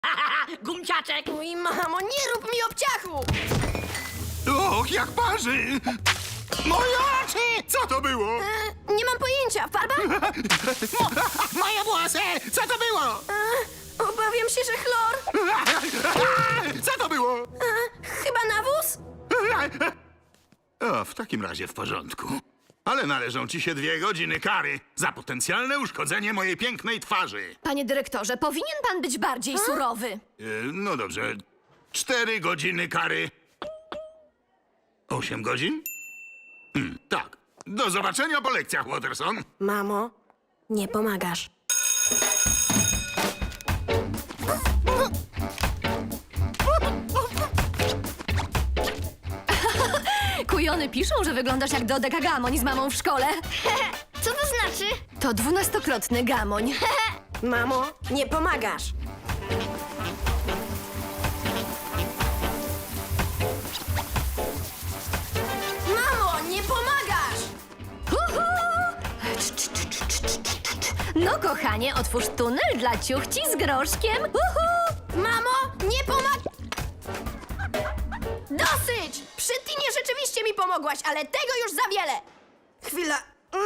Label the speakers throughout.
Speaker 1: Gumciaczek!
Speaker 2: Oj, mamo, nie rób mi obciachu!
Speaker 3: Och, jak parzy! Moje oczy! Co to było?
Speaker 2: Nie mam pojęcia. Farba?
Speaker 3: Moje włosy! Co to było?
Speaker 2: Obawiam się, że chlor.
Speaker 3: Co to było?
Speaker 2: Chyba nawóz?
Speaker 3: O, w takim razie w porządku. Ale należą ci się 2 godziny kary za potencjalne uszkodzenie mojej pięknej twarzy.
Speaker 4: Panie dyrektorze, powinien pan być bardziej surowy.
Speaker 3: No dobrze. 4 godziny kary. 8 godzin? Tak. Do zobaczenia po lekcjach, Watterson.
Speaker 2: Mamo, nie pomagasz.
Speaker 4: Kujony piszą, że wyglądasz jak Dodeka Gamoń z mamą w szkole.
Speaker 5: Co to znaczy?
Speaker 4: To 12-krotny gamoń.
Speaker 2: Mamo, nie pomagasz. Mamo, nie pomagasz!
Speaker 4: Uhu! No kochanie, otwórz tunel dla ciuchci z groszkiem. Uhu!
Speaker 2: Mamo, nie pomag... Dosyć! Przy Tinie rzeczywiście mi pomogłaś, ale tego już za wiele. Chwila.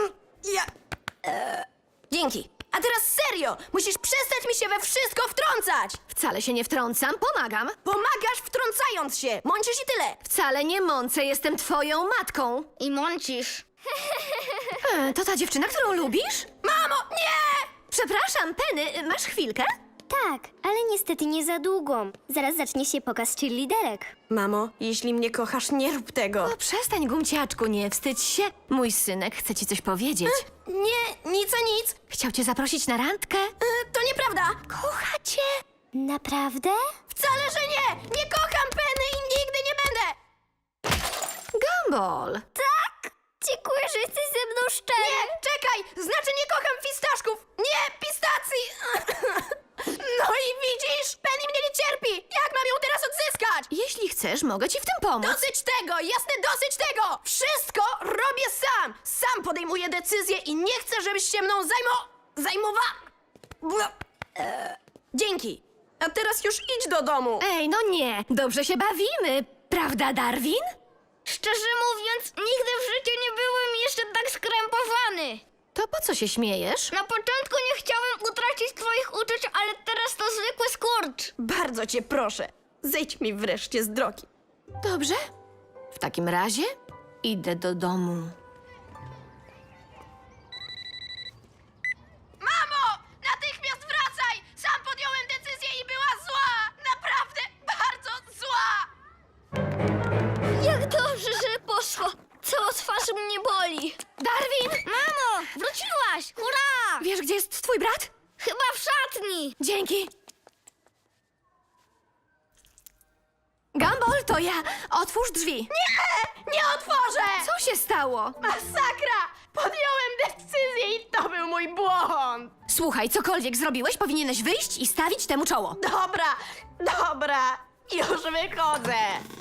Speaker 2: Dzięki. A teraz serio! Musisz przestać mi się we wszystko wtrącać!
Speaker 4: Wcale się nie wtrącam, pomagam.
Speaker 2: Pomagasz wtrącając się! Mącisz i tyle!
Speaker 4: Wcale nie mącę, jestem twoją matką.
Speaker 5: I mącisz.
Speaker 4: To ta dziewczyna, którą lubisz?
Speaker 2: Mamo, nie!
Speaker 4: Przepraszam, Penny, masz chwilkę?
Speaker 6: Tak, ale niestety nie za długo. Zaraz zacznie się pokaz cheerleaderek.
Speaker 2: Mamo, jeśli mnie kochasz, nie rób tego.
Speaker 4: O, przestań, gumciaczku, nie wstydź się. Mój synek chce ci coś powiedzieć.
Speaker 2: Nie, nic a nic.
Speaker 4: Chciał cię zaprosić na randkę?
Speaker 2: To nieprawda.
Speaker 4: Kocha cię.
Speaker 6: Naprawdę?
Speaker 2: Wcale, że nie! Nie kocham Penny i nigdy nie będę!
Speaker 4: Gumball.
Speaker 6: Dziękuję, że jesteś ze mną szczery.
Speaker 2: Nie, czekaj! Znaczy nie kocham fistaszków! Nie, pistacji! No i widzisz? Penny mnie nie cierpi! Jak mam ją teraz odzyskać?
Speaker 4: Jeśli chcesz, mogę ci w tym pomóc.
Speaker 2: Dosyć tego! Jasne, dosyć tego! Wszystko robię sam! Sam podejmuję decyzje i nie chcę, żebyś się mną Dzięki! A teraz już idź do domu!
Speaker 4: Ej, no nie. Dobrze się bawimy. Prawda, Darwin?
Speaker 5: Szczerze mówiąc, nigdy w życiu nie byłem jeszcze tak skrępowany.
Speaker 4: To po co się śmiejesz?
Speaker 5: Na początku nie chciałem utracić twoich uczuć, ale teraz to zwykły skurcz.
Speaker 2: Bardzo cię proszę, zejdź mi wreszcie z drogi.
Speaker 4: Dobrze. W takim razie idę do domu.
Speaker 2: Mamo! Natychmiast wracaj! Sam podjąłem decyzję i była zła! Naprawdę bardzo zła!
Speaker 5: Jak dobrze, że poszło. Cała twarz mnie boli.
Speaker 4: Darwin!
Speaker 5: Mamo, wróciłaś! Hurra!
Speaker 4: Wiesz, gdzie jest twój brat?
Speaker 5: Chyba w szatni.
Speaker 4: Dzięki. Gumball, to ja. Otwórz drzwi.
Speaker 2: Nie otworzę!
Speaker 4: Co się stało?
Speaker 2: Masakra! Podjąłem decyzję i to był mój błąd!
Speaker 4: Słuchaj, cokolwiek zrobiłeś, powinieneś wyjść i stawić temu czoło.
Speaker 2: Dobra, już wychodzę.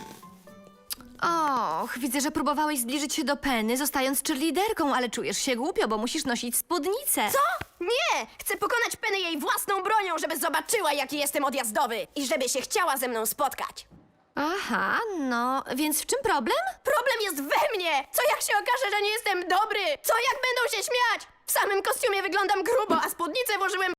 Speaker 4: Och, widzę, że próbowałeś zbliżyć się do Penny, zostając cheerleaderką, ale czujesz się głupio, bo musisz nosić spódnicę.
Speaker 2: Co? Nie! Chcę pokonać Penny jej własną bronią, żeby zobaczyła, jaki jestem odjazdowy i żeby się chciała ze mną spotkać.
Speaker 4: Aha, no, więc w czym problem?
Speaker 2: Problem jest we mnie! Co jak się okaże, że nie jestem dobry? Co jak będą się śmiać? W samym kostiumie wyglądam grubo, a spódnicę włożyłem